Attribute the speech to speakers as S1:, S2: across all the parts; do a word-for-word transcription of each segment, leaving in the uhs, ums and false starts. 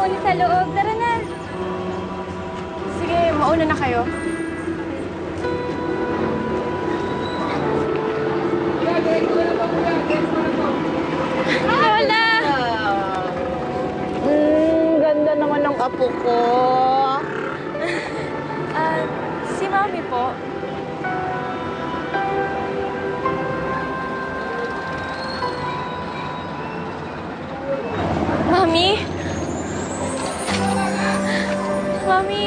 S1: mauna sa loob. Tara na.
S2: Sige, mauna na kayo.
S1: Lola!
S3: Hmm, ganda naman ng apo ko.
S1: Ah, si Mami po. Mami? Mami?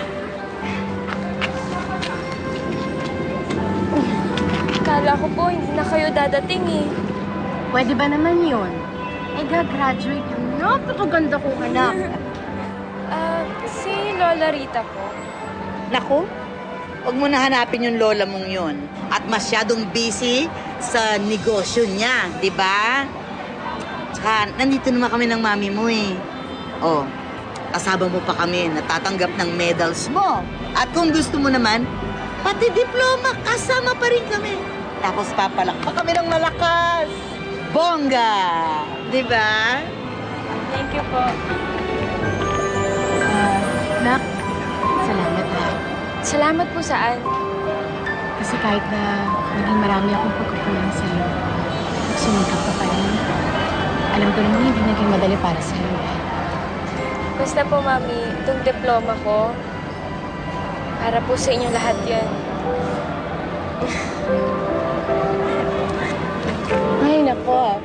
S1: Kala ko po hindi na kayo dadating eh.
S2: Pwede ba naman yun? Eh, gagraduate yung napakaganda kong anak.
S1: Ah, si Lola Rita po.
S3: Naku, huwag mo na hanapin yung lola mong yun. At masyadong busy sa negosyo niya, di ba? Tsaka, nandito naman kami ng mami mo eh. Oh, kasama mo pa kami, natatanggap ng medals mo. At kung gusto mo naman, pati diploma, kasama pa rin kami. Tapos papalakpak kami ng malakas. Bongga! Di ba?
S1: Thank you po.
S2: Ah, Nak, salamat ha.
S1: Salamat po saan?
S2: Kasi kahit na naging marami akong pagkukulang sa'yo, sumikap ka pa rin. Alam ko naman hindi naging madali para sa'yo eh.
S1: Basta po, Mami, itong diploma ko, para po sa inyo lahat yan.
S2: Ay, nako.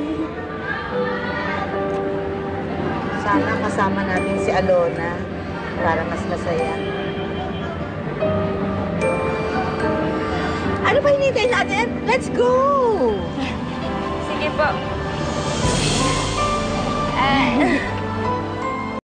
S3: Sana kasama natin si Alona para mas masaya. Ano ba hinihintay natin? Let's go!
S1: Sige po.